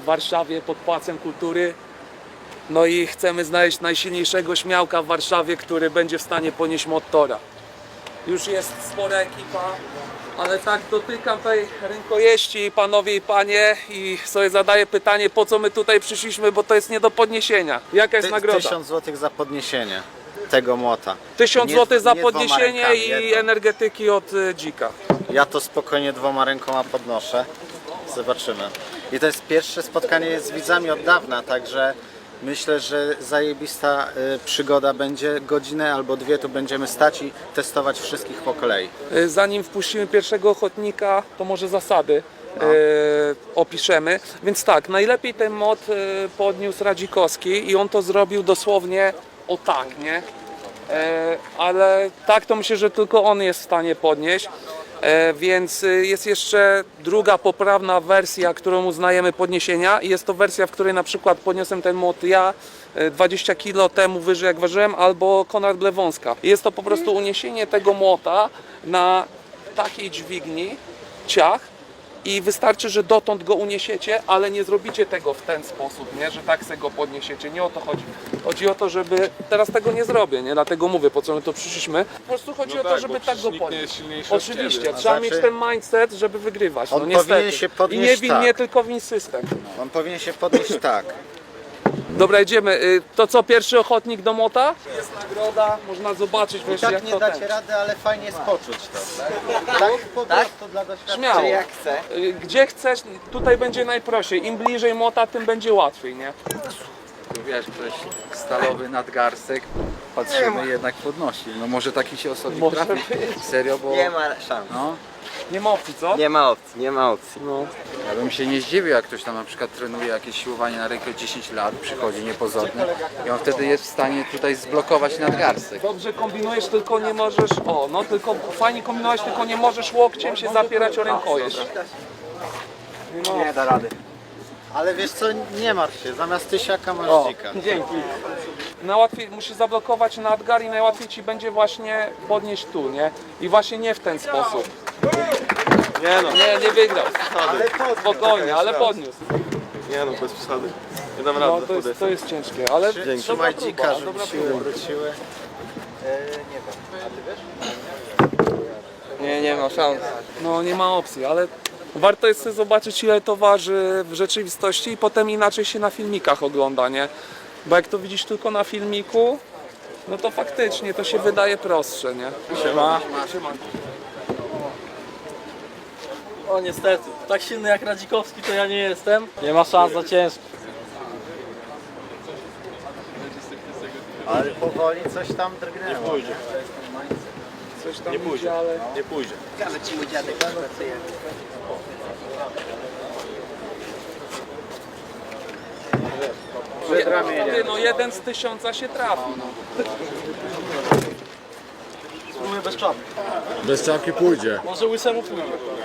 Warszawie pod Pałacem Kultury. No i chcemy znaleźć najsilniejszego śmiałka w Warszawie, który będzie w stanie ponieść motora. Już jest spora ekipa, ale tak dotykam tej rękojeści, panowie i panie, i sobie zadaję pytanie, po co my tutaj przyszliśmy, bo to jest nie do podniesienia. Jaka jest nagroda? 1000 zł za podniesienie tego młota. 1000 Nie- zł za nie dwoma podniesienie rękami, i jedną. energetyki od Dzika. Ja to spokojnie 2 rękoma podnoszę. Zobaczymy. I to jest pierwsze spotkanie z widzami od dawna, także myślę, że zajebista przygoda będzie. Godzinę albo 2 tu będziemy stać i testować wszystkich po kolei. Zanim wpuścimy pierwszego ochotnika, to może zasady opiszemy. Więc tak, najlepiej ten mod podniósł Radzikowski i on to zrobił dosłownie o tak, nie? Ale tak to myślę, że tylko on jest w stanie podnieść. Więc jest jeszcze druga poprawna wersja, którą uznajemy podniesienia, i jest to wersja, w której na przykład podniosłem ten młot ja 20 kg temu wyżej jak ważyłem, albo Konrad Blewąska. Jest to po prostu uniesienie tego młota na takiej dźwigni, ciach, i wystarczy, że dotąd go uniesiecie, ale nie zrobicie tego w ten sposób, nie? Że tak se go podniesiecie. Nie o to chodzi. Chodzi o to, żeby... Teraz tego nie zrobię, nie? Dlatego mówię, po co my to przyszliśmy. Po prostu chodzi o to, żeby tak go podnieść. Oczywiście, trzeba mieć ten mindset, żeby wygrywać. On No niestety. powinien się podnieść I nie win mnie, tak. tylko win system. On powinien się podnieść tak. Dobra, idziemy. To co, pierwszy ochotnik do młota? Jest nagroda, można zobaczyć wreszcie, Tak jak nie to dacie ten. rady, ale fajnie jest poczuć to. Tak po prostu dla doświadczenia. Śmiało. Jak chce. Gdzie chcesz, tutaj będzie najprościej. Im bliżej młota, tym będzie łatwiej, nie? Tu wiesz, ktoś stalowy nadgarstek, patrzymy jednak podnosi. No może taki się osobnik Może trafi. Serio, bo Nie ma szans. no, Nie ma opcji, co? Nie ma opcji, nie ma opcji. No. ja bym się nie zdziwił, jak ktoś tam na przykład trenuje jakieś siłowanie na rękę 10 lat, przychodzi niepozorny i on wtedy jest w stanie tutaj zblokować nadgarstek. Dobrze kombinujesz, tylko nie możesz... O, no tylko fajnie kombinować, tylko nie możesz łokciem się zapierać o rękojeść. Nie da rady. Ale wiesz co, nie martw się, zamiast tysiaka masz dzika. Dzięki. Najłatwiej musisz zablokować nadgar i najłatwiej ci będzie właśnie podnieść tu, nie? I właśnie nie w ten sposób. Nie no, Nie wygrał. Spokojnie, ale raz. podniósł. nie no, bez przesady. Nie dam No rady. to jest ciężkie, ale Trzymaj dobra dzika, próba, żeby dobra siły próba. wróciły. Nie wiem, a ty wiesz? Nie ma szans. No nie ma opcji, ale warto jest sobie zobaczyć, ile to waży w rzeczywistości, i potem inaczej się na filmikach ogląda, nie? Bo jak to widzisz tylko na filmiku, no to faktycznie to się wydaje prostsze, nie? Siema. O niestety, tak silny jak Radzikowski to ja nie jestem. Nie ma szans, za ciężko. Ale powoli coś tam drgnęło. Coś tam Nie pójdzie. idzie, ale... Nie pójdzie. Ciekawe ci mój dziadek pracuje. Ty, no 1 z 1000 się trafi, no. Spróbuję bez czapki. Bez czapki pójdzie. Może łysemu pójdzie.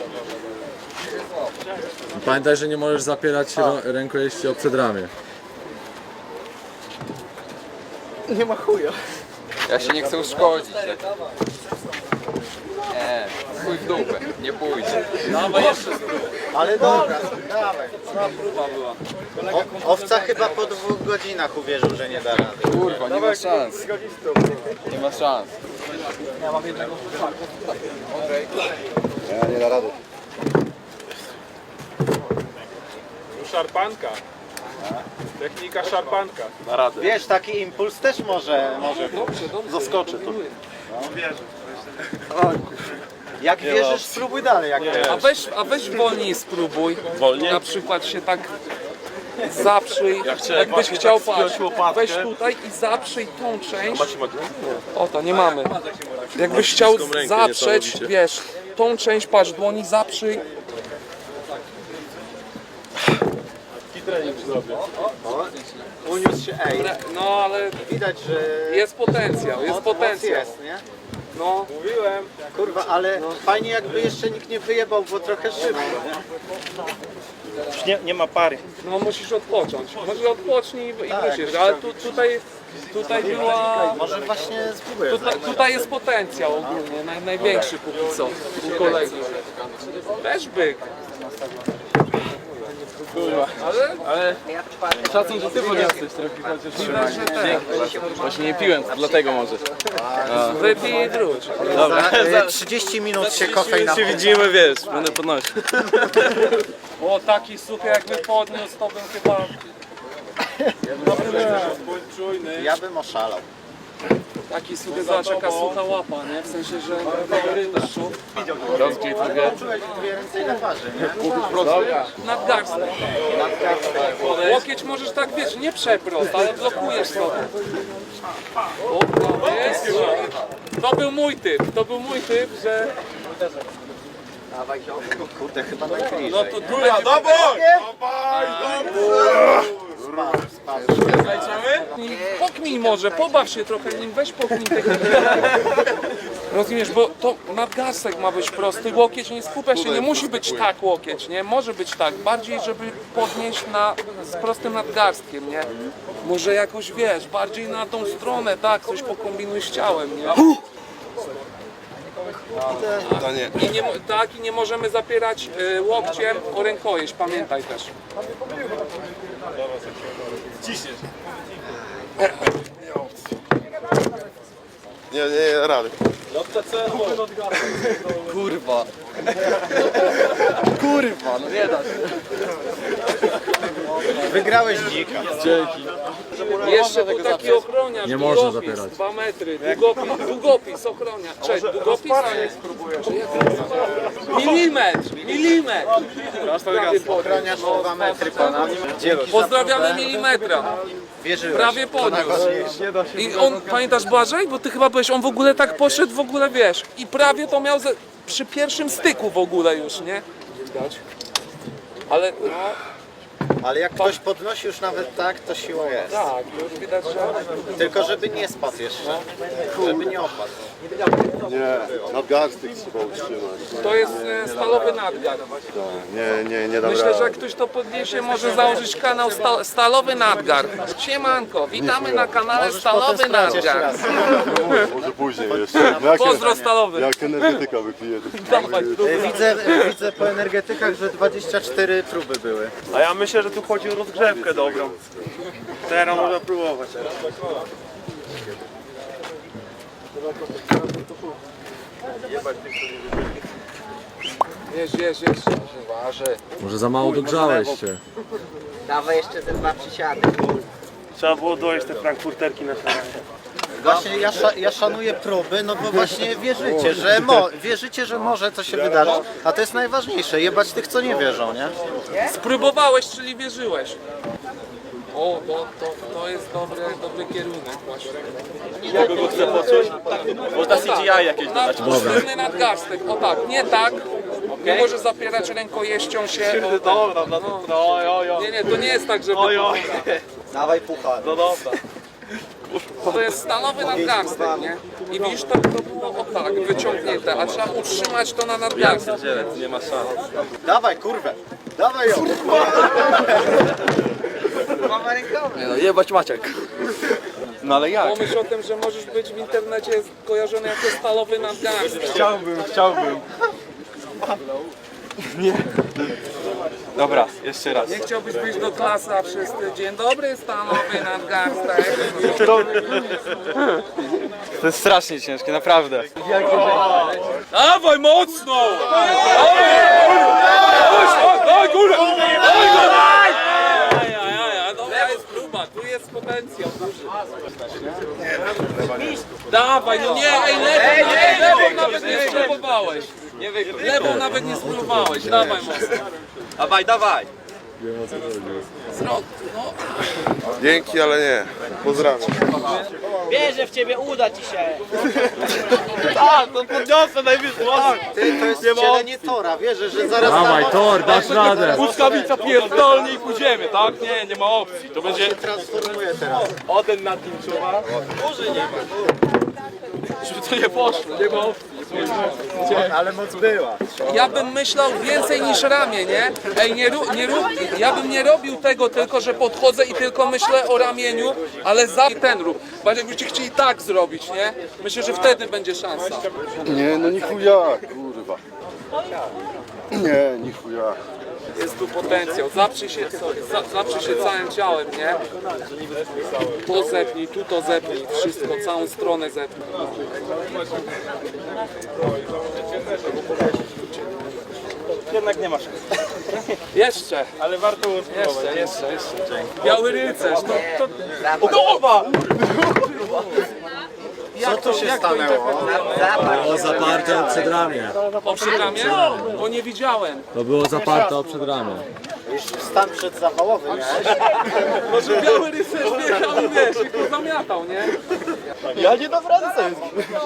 Pamiętaj, że nie możesz zapierać rękojeści o przedramię. Nie ma chuja. Ja się nie chcę uszkodzić. Nie, chuj w dupę, nie pójdzie. Ale dobra, dawaj. Owca chyba po 2 godzinach uwierzył, że nie da rady. Kurwa, nie ma szans. Nie ma szans. Szarpanka. Technika szarpanka. Na radę. Wiesz, taki impuls też może Zaskoczy to. Jak wierzysz, spróbuj dalej. Jak A weź wolniej spróbuj. Wolniej? Na przykład się tak zaprzyj. chcę Jakbyś właśnie chciał tak spiąć paść, łopatkę. weź tutaj i zaprzyj tą część. Macie magnes? O, to nie mamy. Jakbyś chciał śliską rękę zaprzeć, niesamowicie. wiesz, tą część patrz dłoni, zaprzyj. uniósł się, No ale widać, że jest potencjał, jest moc potencjał. jest, nie? No, Mówiłem. Kurwa, ale fajnie jakby jeszcze nikt nie wyjebał, bo trochę szybko. Już nie ma pary. no musisz odpocząć. Może odpocznij i wrócisz, ale tutaj była... Może właśnie spróbuję. Tutaj jest potencjał ogólnie, największy póki co u kolegów. Też byk. Ale szacun, że ty podniosłeś trochę chociaż. Widać, że ten. Właśnie nie piłem, dlatego może. Wypij i wróć. Za 30 minut się kofeina. Się widzimy, wiesz, będę podnosił. O, taki suchy jakby podniósł, to bym chyba... Ja bym oszalał. Taki suchy, zobacz jaka sucha łapa, nie? W sensie, że faworytów. Rozgrzej trochę. Dwie ręce ile waży, nie? Nadgarstek. Łokieć możesz tak, wiesz, nie przeprost, ale blokujesz sobie. O, jest. To był mój typ, że... Kurde, chyba najbliżej. No to tu będzie... Pokmij może, pobaw się trochę nim, weź pokmij technikę. Rozumiesz, bo to nadgarstek ma być prosty, łokieć nie skupia się, nie musi być tak łokieć, nie? Może być tak, bardziej żeby podnieść z prostym nadgarstkiem, nie? Może jakoś, wiesz, bardziej na tą stronę, tak, coś pokombinuj z ciałem, nie? I nie możemy zapierać łokciem o rękojeść, pamiętaj też. Nie, rady. Kurwa. Kurwa, no nie da się. Wygrałeś dzika. Dzięki. Jeszcze tu taki ochroniarz, Nie można długopis, zapierać. 2 metry, długopis ochroniarz. Cześć, długopis? Milimetr. Prawie podniósł. Ochroniarz 2 metry ponad. Dzięki. Pozdrawiamy milimetra. Wierzyłeś. Prawie podniósł. I on, pamiętasz Błażej? Bo ty chyba byłeś, on w ogóle tak poszedł, w ogóle wiesz. I prawie to miał przy pierwszym styku w ogóle już, nie? Widać. Ale no, Ale jak ktoś podnosi już nawet tak, to siła jest. tak, już widać, że... Tylko żeby nie spadł jeszcze. Żeby nie opadł. Nie, nadgarstek trzeba utrzymać. To jest stalowy nadgar. Nie dam Myślę, że jak ktoś to podniesie, może założyć kanał Stalowy Nadgar. Siemanko, witamy na kanale Stalowy Sprawdź jeszcze Nadgar. raz. Może później jeszcze. Pozdro Stalowy. Jak energetyka wypije, to Dawaj, Widzę po energetykach, że 24 próby były. A ja myślę, że tu chodzi o rozgrzewkę dobrą. Teraz można próbować. Jeźdź. Może za mało dogrzałeś się. Dawaj jeszcze te 2 przysiady. Trzeba było dojeść te frankfurterki na śniadanie. Właśnie ja szanuję próby, no bo właśnie wierzycie, że może to się wydarzyć, a to jest najważniejsze, jebać tych, co nie wierzą, nie? Spróbowałeś, czyli wierzyłeś. O, to jest dobry kierunek właśnie. Mogę go chcę poczuć? Można CGI jakieś dodać. Sztywny nadgarstek, o tak, nie tak. Nie może zapierać rękojeścią się. O, Dobra, no jo. nie, to nie jest tak, żeby... Dawaj puchar. No dobra. To jest stalowy nadgarstek, nie? I widzisz, to było o tak, wyciągnięte, a trzeba utrzymać to na nadgarstek. Nie ma szans. Dawaj kurwę, dawaj ją. Nie no, jebać Maciek. No ale jak? Pomyśl o tym, że możesz być w internecie kojarzony jako stalowy nadgarstek. Chciałbym. Dobra, jeszcze raz. Nie chciałbyś być do klasy, a wszyscy dzień dobry, stalowy nadgarstek. To jest strasznie ciężkie, naprawdę. Dawaj mocno! Dawaj górę! Dobra jest próba, tu jest potencjał duży. Dawaj, no nie, lewą nawet nie spróbowałeś. Lewą nawet nie spróbowałeś, dawaj mocno. Dawaj. Dzięki, ale nie. Pozdrawiam. Wierzę w ciebie, uda ci się. No podniosę najwyżej. Ty, to jest wcielenie Tora, wierzę, że zaraz... Dawaj, Tor, dasz radę. Błyskawica pierdolnie i pójdziemy, tak? Nie ma opcji. To będzie transformuje teraz. Oden na tym czuwa. Może nie ma. Żeby to nie poszło, nie ma opcji. Ale moc była. Ja bym myślał więcej niż ramię, nie? Ej, ja bym nie robił tego tylko, że podchodzę i tylko myślę o ramieniu, ale za ten rób. Bo jakbyście chcieli tak zrobić, nie? Myślę, że wtedy będzie szansa. Nie, no ni chuja, kurwa. Nie, ni chuja. Jest tu potencjał. Zaprzyj się całym ciałem, nie? To zepnij, tu to zepnij, wszystko, całą stronę zepnij. Jednak nie masz. Jeszcze, Ale warto było spróbować. jeszcze. Biały rycerz, to Co tu się stanęło? Było zaparte o przedramię. o przedramię? Bo nie widziałem. To było zaparte o przedramię. Już stan przedzawałowy miałeś? Może biały rycerz biegał i wiesz, i to zamiatał, nie? Ja nie dam rady sobie.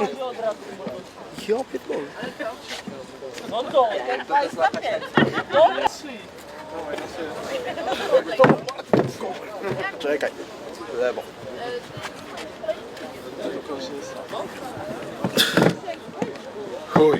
Czekaj. Lewo. Chuj.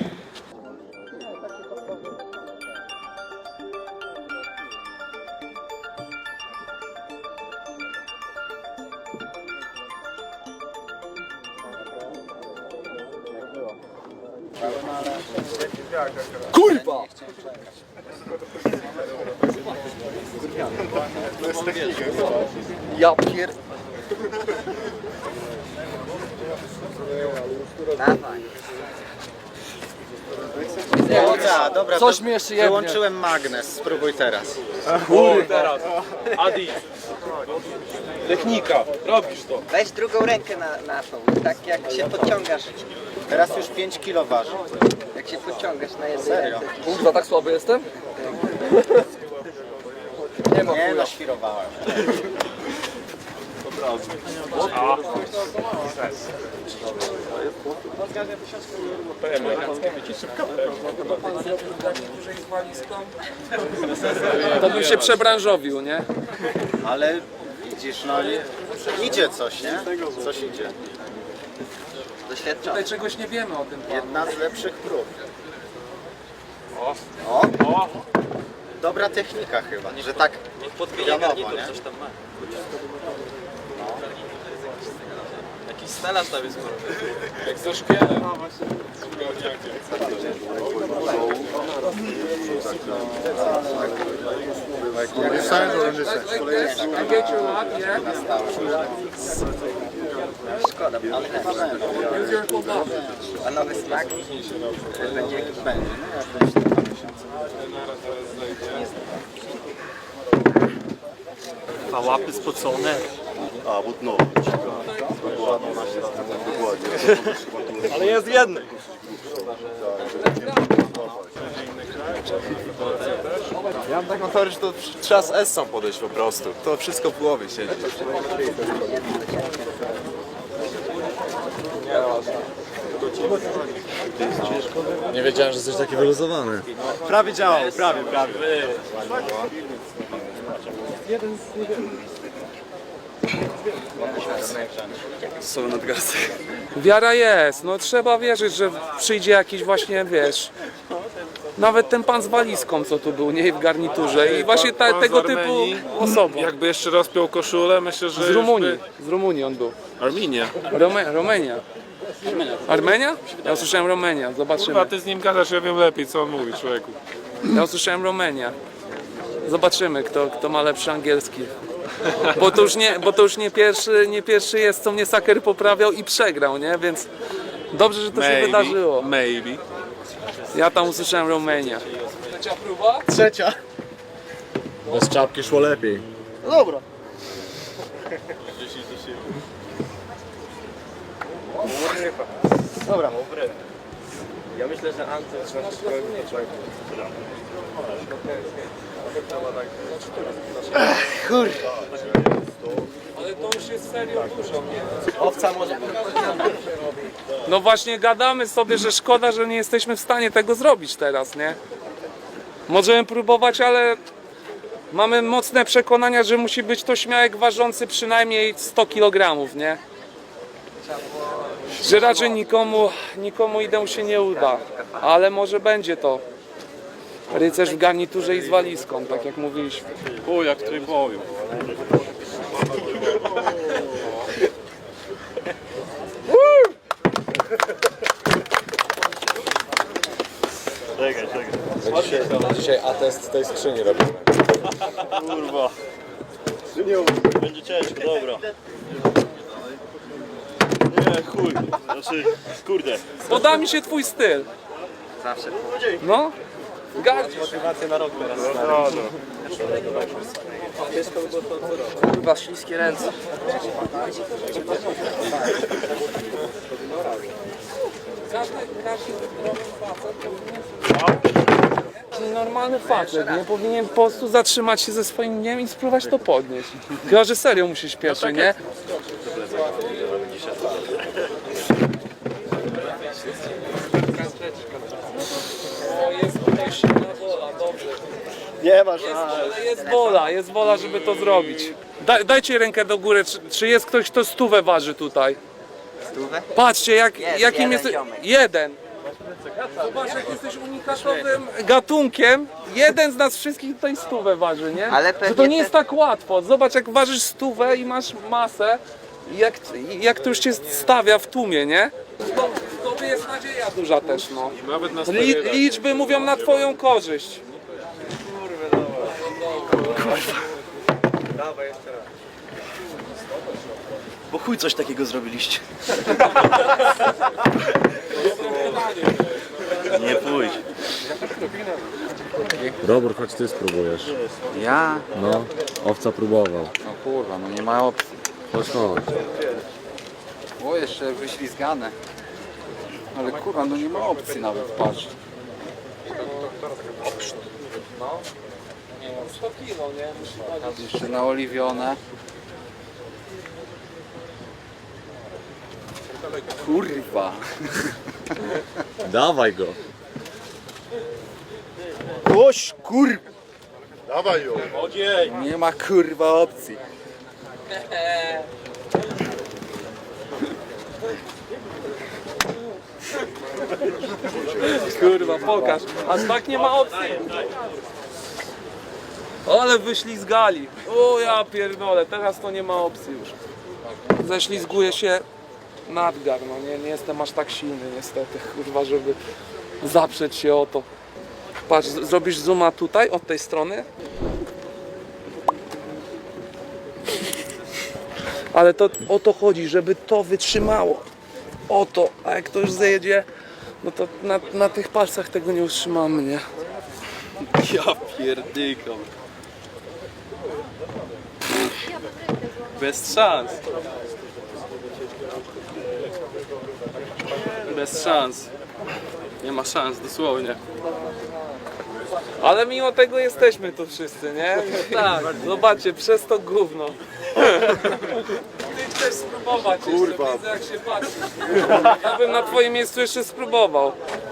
Ja pier... Dawaj. Dobra, Coś mi jeszcze jebnie. wyłączyłem magnes, spróbuj teraz. Teraz. Adi. Technika. Robisz to. Weź drugą rękę na tą, tak jak się podciągasz. Teraz już 5 kilo waży. Jak się podciągasz na jednej Serio? ręce. Kurwa, tak słaby jestem? Nie no, świrowałem. To bym się przebranżowił, nie? Ale widzisz, no idzie coś, nie? Coś idzie. Doświadczony. Tutaj czegoś nie wiemy o tym panu. Jedna z lepszych prób. O! Dobra technika chyba, że tak pionowo, nie? Jakiś stalarz tam jest. Jak ze szkielem. I get your luck, yeah? Szkoda, ale tak. Use your full body. A nowy smak będzie jakiś... Będzie, no jak będzie 2 miesiące. A łapy spocone. A, вот no. Ale jest jedny. Ja mam taką teorię, że to trzeba z Essą podejść po prostu. To wszystko w głowie siedzi. Nie wiedziałem, że jesteś taki wyluzowany. Prawie działał, prawie. Są nadgarstek. Wiara jest, no trzeba wierzyć, że przyjdzie jakiś właśnie, wiesz, nawet ten pan z walizką, co tu był, nie, w garniturze i właśnie tego typu osoba. Jakby jeszcze rozpiął koszulę, myślę, że Z Rumunii on był. Arminia. Romania. Armenia? Ja usłyszałem Romania, zobaczymy. Chyba ty z nim gadasz, ja wiem lepiej, co on mówi, człowieku. Ja usłyszałem Romania. Zobaczymy, kto ma lepszy angielski. Bo to już nie pierwszy jest, co mnie Saker poprawiał i przegrał, nie? Więc dobrze, że to się wydarzyło. Maybe. Ja tam usłyszałem Romania. Trzecia próba? Trzecia. Bez czapki szło lepiej. Dobra. Dobra. Ja myślę, że Anton Ale to już jest serio dużo, nie? Owca może... No właśnie gadamy sobie, że szkoda, że nie jesteśmy w stanie tego zrobić teraz, nie? Możemy próbować, ale mamy mocne przekonania, że musi być to śmiałek ważący przynajmniej 100 kg, nie? Że raczej nikomu idę się nie uda, ale może będzie to rycerz w garniturze i z walizką, tak jak mówiliśmy. O, jak tryboju. Czekaj. Dzisiaj atest tej skrzyni robimy. Kurwa. Będzie ciężko, dobra. Nie, chuj. Znaczy, kurde. Podoba mi się twój styl. Zawsze. No, gardzisz. Kurwa, śliskie ręce. Każdy zdrowy facet powinien... Normalny facet, nie powinien po prostu zatrzymać się ze swoim dniem i spróbować to podnieść. Chyba, że serio musisz pierwszy, nie? O, jest tutaj silna wola, dobrze. Nie masz. Jest wola, żeby to zrobić. Dajcie rękę do góry, czy jest ktoś, kto 100 waży tutaj? Stówę? Patrzcie, jakim jeden jest... ziomek. Jeden. Zobacz, jak jesteś unikatowym gatunkiem. Jeden z nas wszystkich tutaj 100 waży, nie? Ale Że to pewnie nie jest tak łatwo. Zobacz, jak ważysz 100 i masz masę, jak to już cię stawia w tłumie, nie? To jest nadzieja duża też, no. Nawet na Liczby mówią na twoją korzyść. Bo chuj coś takiego zrobiliście. Nie pójdź. Robert, chodź ty spróbujesz. Ja? No, owca próbował. No kurwa, no nie ma opcji. Chodź, chodź. O, jeszcze wyślizgane. Ale kurwa, no nie ma opcji nawet, patrz. 100 kilo, nie? Jeszcze naoliwione. Kurwa. Dawaj go. Oś, kur... Dawaj ją. Ogień. Nie ma kurwa opcji. Kurwa, pokaż. Aż tak nie ma opcji. Ale wyślizgali. O ja pierdolę, teraz to nie ma opcji już. Ześlizguje się nadgar, no nie jestem aż tak silny niestety, kurwa, żeby zaprzeć się o to. Patrz, zrobisz zooma tutaj, od tej strony. Ale to o to chodzi, żeby to wytrzymało. O to, a jak to już zjedzie, no to na tych palcach tego nie utrzymamy, nie? Ja pierdykam. Bez szans. Bez szans. Nie ma szans, dosłownie. Ale mimo tego jesteśmy tu wszyscy, nie? Tak, zobaczcie, przez to gówno. Ty chcesz spróbować jeszcze, widzę jak się patrzy. Ja bym na twoim miejscu jeszcze spróbował.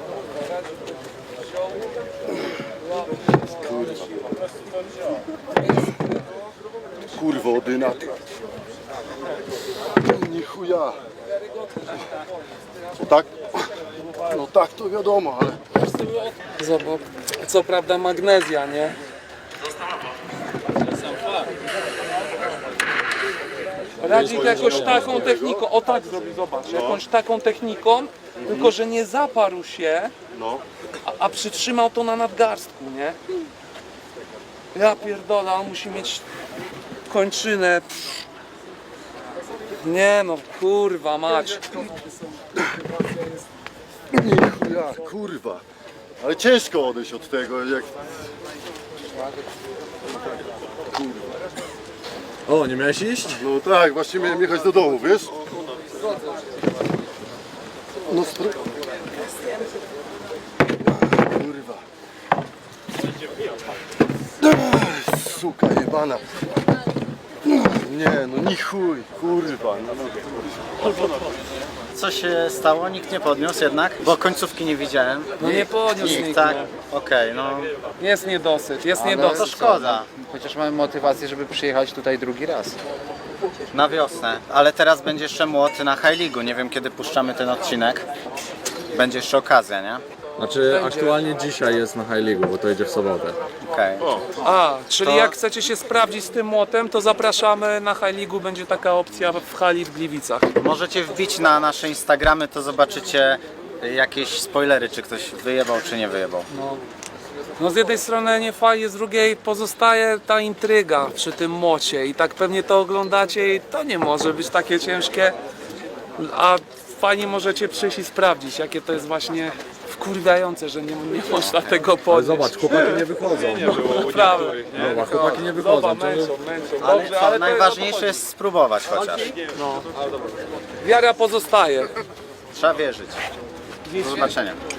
Kurwa, odyna. Ni chuja. No tak? No tak, to wiadomo, ale... Zobacz, co prawda magnezja, nie? Radzik jakoś taką techniką, o tak zrobi, zobacz, jakąś taką techniką, tylko że nie zaparł się, No. a przytrzymał to na nadgarstku, nie? Ja pierdolę, on musi mieć kończynę. Nie no, kurwa mać. Nie chuja, kurwa. Ale ciężko odejść od tego, jak... O, nie miałeś iść? No tak, właśnie miałem jechać do domu, wiesz? No kurwa. Suka jebana. Nie, no ni chuj, kurwa. No. Co się stało? Nikt nie podniósł jednak? Bo końcówki nie widziałem. No nie podniósł Nikt, nikt, tak? no. Okej, no Jest niedosyt, jest Ale niedosyt. to szkoda. Chociaż mamy motywację, żeby przyjechać tutaj drugi raz. Na wiosnę. Ale teraz będzie jeszcze młot na High League'u. Nie wiem kiedy puszczamy ten odcinek. Będzie jeszcze okazja, nie? Znaczy, aktualnie dzisiaj jest na High League, bo to idzie w sobotę. Okej. A, czyli To- jak chcecie się sprawdzić z tym młotem, to zapraszamy na High League'u, będzie taka opcja w hali w Gliwicach. Możecie wbić na nasze Instagramy, to zobaczycie jakieś spoilery, czy ktoś wyjebał, czy nie wyjebał. No z jednej strony nie fajnie, z drugiej pozostaje ta intryga przy tym mocie i tak pewnie to oglądacie i to nie może być takie ciężkie, a fajnie możecie przyjść i sprawdzić, jakie to jest właśnie wkurwiające, że nie można tego Ale podnieść. zobacz, chłopaki nie wychodzą. Naprawdę. Zobacz, chłopaki nie wychodzą. Zobacz, To męczą. Ale Dobrze, co, ale to najważniejsze jest spróbować chociaż. wiara pozostaje. Trzeba wierzyć. Do zobaczenia.